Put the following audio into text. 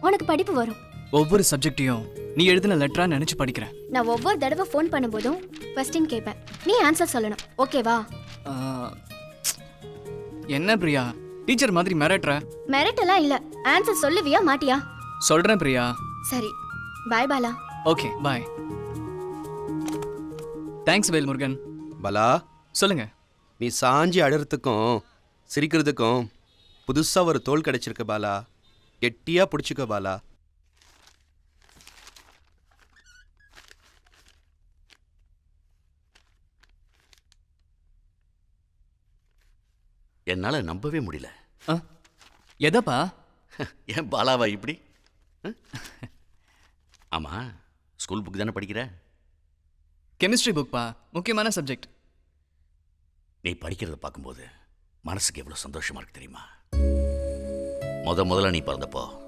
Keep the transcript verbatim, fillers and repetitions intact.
உனக்கு படிப்பு வரும். ஒவ்வொரு சப்ஜெக்டையும் நீ எழுதின லெட்டரா நினைச்சு படிக்கிறேன். நான் ஒவ்வொரு தடவை ஃபோன் பண்ணும்போதும் கொஸ்டின் கேட்பேன். நீ ஆன்சர் சொல்லணும். ஓகேவா? ஆ, என்ன பிரியா டீச்சர் மாதிரி மிரட்டுற? மிரட்டெல்லாம் இல்ல. ஆன்சர் சொல்லுவியா மாட்டியா? சொல்றேன் பிரியா. சரி, bye Bala. Okay bye. Thanks Velmurugan. Bala, சொல்லுங்க. நீ சாஞ்சி அழறதுக்கும் சிரிக்கிறதுக்கும் புதுசாக ஒரு தோல் கிடைச்சிருக்கு பாலா. கெட்டியாக பிடிச்சிக்க பாலா. என்னால நம்பவே முடியல. ஆ, எதப்பா? ஏன் பாலாவா இப்படி? ஆமா, ஸ்கூல் புக் தானே படிக்கிற? கெமிஸ்ட்ரி புக்பா, முக்கியமான சப்ஜெக்ட். நீ படிக்கிறத பார்க்கும்போது மனசுக்கு எவ்வளவு சந்தோஷமா இருக்கு தெரியுமா? முத முதல்ல நீ பிறந்தப்போ